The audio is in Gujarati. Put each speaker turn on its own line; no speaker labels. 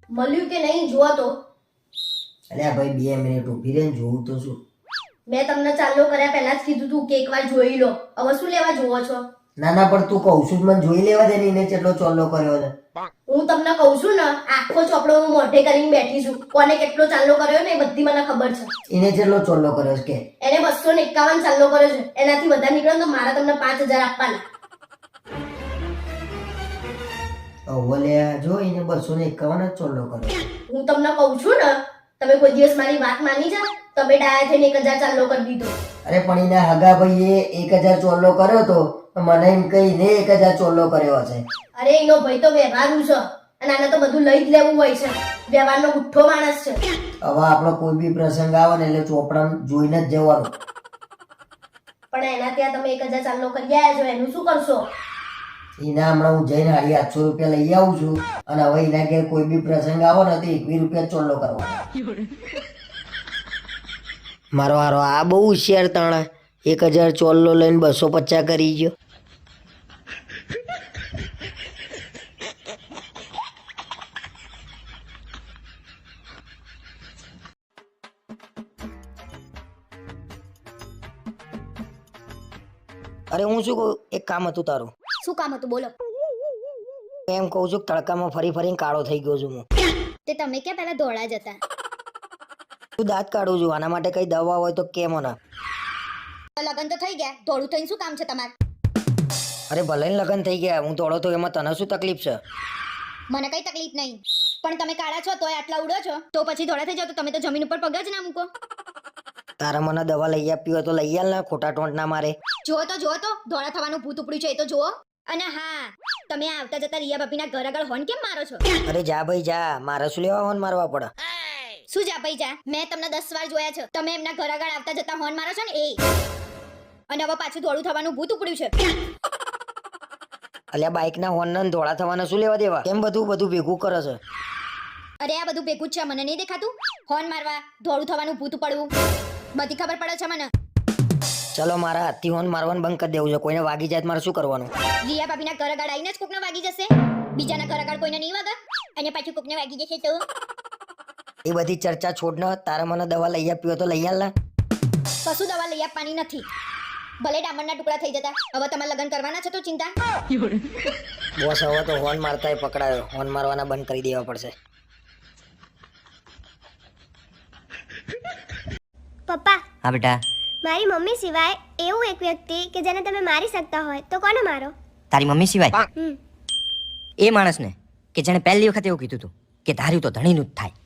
મળ્યું કે નહીં જુઓ તો.
અલ્યા ભાઈ 2 મિનિટ ઊભી રહે ને જોઉં તો શું.
મેં તમને ચાલુ કર્યા પહેલા જ કીધું તું કે એકવાર જોઈ લો. હવે શું લેવા જોવો છો?
ના ના પણ તું કહું છું મને જોઈ લેવા દે ને એને કેટલો ચોલ્લો કર્યો છે.
હું તમને કહું છું ને આખો ચોપડો હું મોઢે કરીને બેઠી છું. કોને કેટલો ચાલ્લો કર્યો ને એ બધી મને ખબર છે.
એને કેટલો ચોલ્લો કર્યો છે કે?
એને 251 ચાલ્લો કર્યો છે. એનાથી વધારે નીકળે તો મારા તમને 5000 આપવાના.
ઓલ્યા જો એને 251 જ ચોલ્લો કર્યો.
હું તમને કહું છું ને તમે કોઈ દિવસ મારી વાત માની જા. તમે ડાયા થઈને 1000 ચાલ્લો કરી દીધો.
અરે પણ એના હગા ભાઈએ 1000 ચોલ્લો કર્યો તો મને એમ કહીને 1000 ચોલ્લો કર્યો હશે.
અરે એનો ભાઈ તો વ્યવહારુ છે અને આને તો બધું લઈ જ લેવું હોય છે. વ્યવહારનો ગુઠ્ઠો માણસ છે.
હવે આપણો કોઈ બી પ્રસંગ આવે ને એટલે ચોપડામાં જોઈને જ જવાનું.
પણ એના ત્યાં તમે 1000 ચાલ્લો કરી આવ્યા છો એનું શું કરશો?
એના હમણાં હું જઈને 850 રૂપિયા લઈ આવું છું અને હવે એના ઘેર કોઈ બી પ્રસંગ આવો ને તો 21 રૂપિયા ચોલ્લો કરવાનો. મારો હારો આ બહુ હોશિયાર તાણા 1000 ચોલ્લો લઈને 250 કરી ગયો. અરે હું શું કહું એક કામ હતું તારું.
શું કામ હતું બોલો?
એમ કહું છું કે તડકામાં ફરી ફરીને કાળો થઈ ગયો છું હું.
તે તમે ક્યાં પહેલા ધોળા જ હતા?
તું દાંત કાઢું છું આના માટે કઈ દવા હોય તો કે મને.
લગન તો થઈ ગયા, ધોળું થઈને શું કામ છે તમારે?
અરે ભલે ને લગન થઈ ગયા હું ધોળો તો એમાં તને શું તકલીફ છે?
મને કઈ તકલીફ નહીં, પણ તમે કાળા છો તોય આટલા ઉડો છો તો પછી ધોળા થઈ જાવ તો તમે તો જમીન ઉપર પગ જ ના મૂકો.
તારે મને દવા લઈ આપી હોય તો લઈ આલ ને, ખોટા ટોંટ ના મારે.
જુઓ તો ધોળા થવાનું ભૂત ઉપડ્યું છે એ તો જુઓ. અને હા, તમે આવતા જતા રિયા ભાભીના ઘર આગળ હોર્ન કેમ મારો છો?
અરે જા ભાઈ જા, મારે શું લેવા હોન મારવા પડે?
શું જા ભાઈ જા? મેં તમને 10 વાર જોયા છે તમે એમના ઘર આગળ આવતા જતા હોર્ન મારો છો ને એ. અને હવે પાછું ધોળું થવાનું ભૂત ઉપડ્યું છે.
અલ્યા બાઈક ના હોર્ન ને ધોળા થવાના શું લેવા દેવા? કેમ બધું ભેગું કરે છે?
અરે આ બધું ભેગું જ છે, મને નહીં દેખાતું? હોર્ન મારવા, ધોળું થવાનું ભૂત પડવું, બધી ખબર પડે છે મને.
ચલો મારા હાથથી હોર્ન મારવાનું બંધ કરી દેવું છે. કોઈને વાગી જાય મારે શું કરવાનું?
રિયા ભાભીના ઘર આગળ આવીને જ કોકને વાગી જશે. બીજાના ઘર આગળ કોઈને નહીં વાગે અને પાછું કોકને વાગી જશે તો?
એ બધી ચર્ચા છોડ ને, તારે મને દવા લઈ આપી હોય તો લઈ આલ ને.
કશું દવા લઈ આપવાની નથી. ભલે ડામરના ટુકડા થઈ જતા, હવે તમારે લગ્ન કરવાના છે તો ચિંતા.
બોસ હવે તો હોર્ન મારતા પકડાયો, હોર્ન મારવાના બંધ કરી દેવા પડશે.
પપ્પા,
હા બેટા.
મારી મમ્મી સિવાય એવું એક વ્યક્તિ કે જેને તમે મારી શકતા હોય તો કોને મારો?
તારી મમ્મી સિવાય
હમ.
એ માણસને કે જેણે પહેલી વખત એવું કીધું હતું કે ધાર્યું તો ધણીનું જ થાય.